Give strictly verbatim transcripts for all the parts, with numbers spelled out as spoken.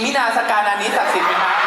มินาสการนานี้ศักดิ์สิทธิ์ไหมครับ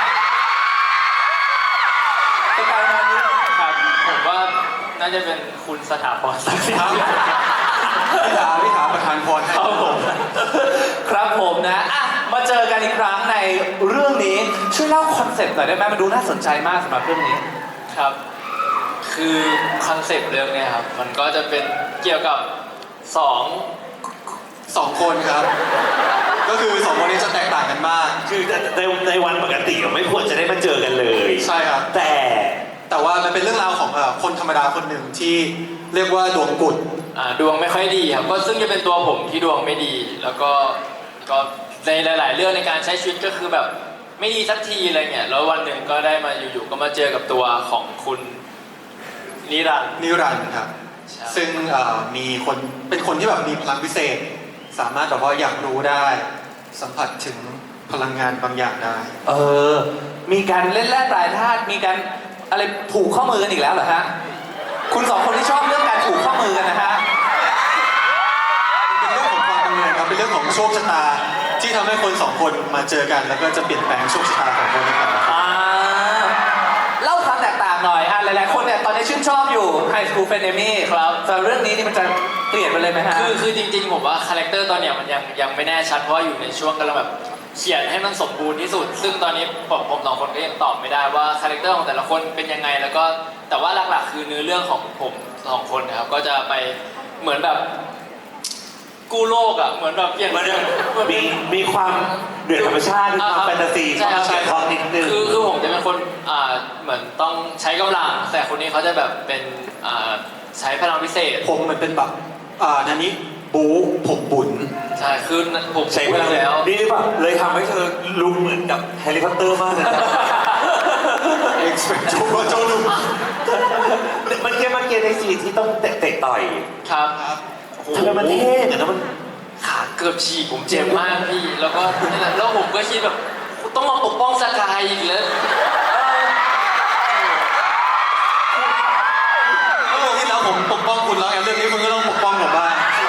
สการนานี้ครับผมว่าน่าจะเป็นคุณสถาพรศักดิ์สิทธิ์พิธาพิธาประธานพรให้ครับผมครับผมนะอ่ะมาเจอกันอีกครั้งในเรื่องนี้ช่วยเล่าคอนเซ็ปต์หน่อยได้ไหมมันดูน่าสนใจมากสำหรับเรื่องนี้ครับคือคอนเซ็ปต์เรื่องนี้ครับมันก็จะเป็นเกี่ยวกับสองสองคนครับก็คือสองคนนี้จะแตกต่างกันมากคือในในวันปกติไม่ควรจะได้มาเจอกันเลยใช่ครับแต่แต่ว่ามันเป็นเรื่องราวของคนธรรมดาคนหนึ่งที่เรียกว่าดวงกุดอ่าดวงไม่ค่อยดีครับก็ซึ่งจะเป็นตัวผมที่ดวงไม่ดีแล้วก็ก็ในหลาย ๆ เรื่องในการใช้ชีวิตก็คือแบบไม่ดีสักทีอะไรเงี้ยแล้ววันหนึ่งก็ได้มาอยู่ๆก็มาเจอกับตัวของคุณนิรันดร์นิรันดร์ครับซึ่งมีคนเป็นคนที่แบบมีพลังพิเศษสามารถแบบว่าอยากรู้ได้สัมผัสถึงพลังงานบางอย่างได้เออมีการเล่นแร่ปลายธาตุมีการอะไรผูกข้อมือกันอีกแล้วเหรอฮะคุณสองคนที่ชอบเรื่องการผูกข้อมือกันนะฮะเป็นเรื่องของความบังเอิญครับเป็นเรื่องของโชคชะตาที่ทำให้คนสองคนมาเจอกันแล้วก็จะเปลี่ยนแปลงโชคชะตาของคนนี้ครับเล่าความแตกต่างหน่อยอ่ะหลายๆคนเนี่ยตอนนี้ชื่นชอบอยู่ High School Frenemy ครับแต่เรื่องนี้นี่มันจะเปลี่ยนไปเลยไหมฮะคือคือจริงๆผมว่าคาแรคเตอร์ตอนเนี้ยมันยังยังไม่แน่ชัดเพราะอยู่ในช่วงกำลังแบบเขียนให้มันสมบูรณ์ที่สุดซึ่งตอนนี้ผมผมสองคนก็ยังตอบไม่ได้ว่าคาแรคเตอร์ของแต่ละคนเป็นยังไงแล้วก็แต่ว่าหลักๆคือเนื้อเรื่องของผมสองคนนะครับก็จะไปเหมือนแบบกู้โลกอ่ะเหมือนแบบเปลี่ยนมีมีความเดือดธรรมชาติมีความแฟนตาซีความเฉียดทองนิดนึงคือคือผมจะเป็นคนอ่าเหมือนต้องใช้กำลังแต่คนนี้เขาจะแบบเป็นอ่าใช้พลังพิเศษผมมันเป็นแบบอ่านันนี้บู๊ผมบุญใช่คือผมใช้พลังแล้วนี่หรือเปล่าเลยทำให้เธอลุกเหมือนกับแฮร์รี่พอตเตอร์มากเลยเอ็กซ์เพรสโจโจลุมันเกี่ยมันเกี่ยในซีที่ต้องเตะต่อยครับทำไมมันเท่แต่แล้วมันขาเกือบฉีกผมเจ็บมากพี่แล้วก็แล้วผมก็คิดแบบต้องมาปกป้องสกายอีกแล้วเรื่องที่แล้วผมปกป้องคุณแล้วเรื่องนี้คุณก็ต้องปกป้องผมบ้าง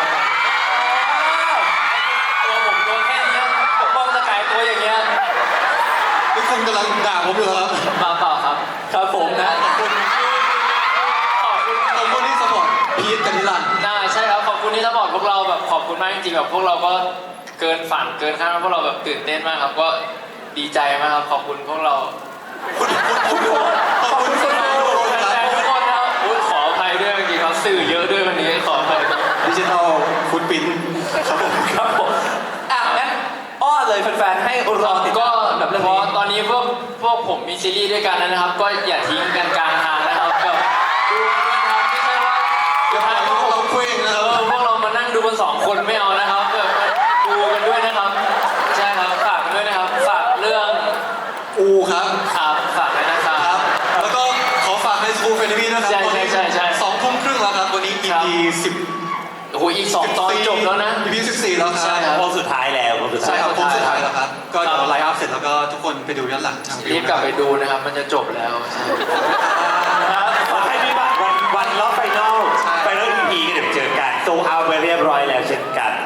ตัวผมตัวแค่นี้ปกป้องสกายตัวอย่างเงี้ยนี่คุณกำลังด่าผมอยู่ครับเปล่าเปล่าครับครับผมนะขอบคุณขอบคุณขอบคุณที่สปอร์ตพีทกับนิรันดร์น่าใช่ครับขอบคุณที่สปอร์ตพวกเราแบบขอบคุณมากจริงๆแบบพวกเราก็เกินฝันเกินคาดพวกเราแบบตื่นเต้นมากครับก็ดีใจมากครับขอบคุณพวกเราคุณคุณคุณขอบคุณทุกคนทุกคนครับขออภัยด้วยจริงๆครับสื่อเยอะด้วยวันนี้ขออภัยดิจิทัลฟุตปรินท์ครับผมครับผมอ่ะงั้นอ้อเลยแฟนๆให้รอติดก็แบบเพราะตอนนี้พวกพวกผมมีซีรีส์ด้วยกันนะครับก็อย่าทิ้งกันกลางทางนะครับแบบดูด้วยนะครับไม่ใช่ว่าจะพาพวกเราคุยนะเออพวกเรามานั่งดูกันสองคนไม่เอานะครับแบบดูกันด้วยนะครับใช่ครับฝากด้วยนะครับฝากเรื่องอูครับครับฝากด้วยนะครับแล้วก็ขอฝากในสกู๊ปเฟรนดี้ด้วยครับใช่ใช่ใช่ใช่สองทุ่มครึ่งแล้วครับวันนี้ อี พี สิบโอ้โหอีกสองตอนจบแล้วนะอี พี สิบสี่แล้วครับใช่ครับวงสุดท้ายแล้ววงสุดท้ายใช่ครับวงสุดท้ายแล้วครับก็เดี๋ยวไลฟ์อัพเสร็จแล้วก็ทุกคนไปดูย้อนหลังทางรีบกลับไปดูนะครับมันจะจบแล้วใช่ครับให้มีบัตรวันวันรอบไฟนอลไฟนอล อี พี ก็เดี๋ยวเจอกันโซเอาไปเรียบร้อยแล้วเช่นกัน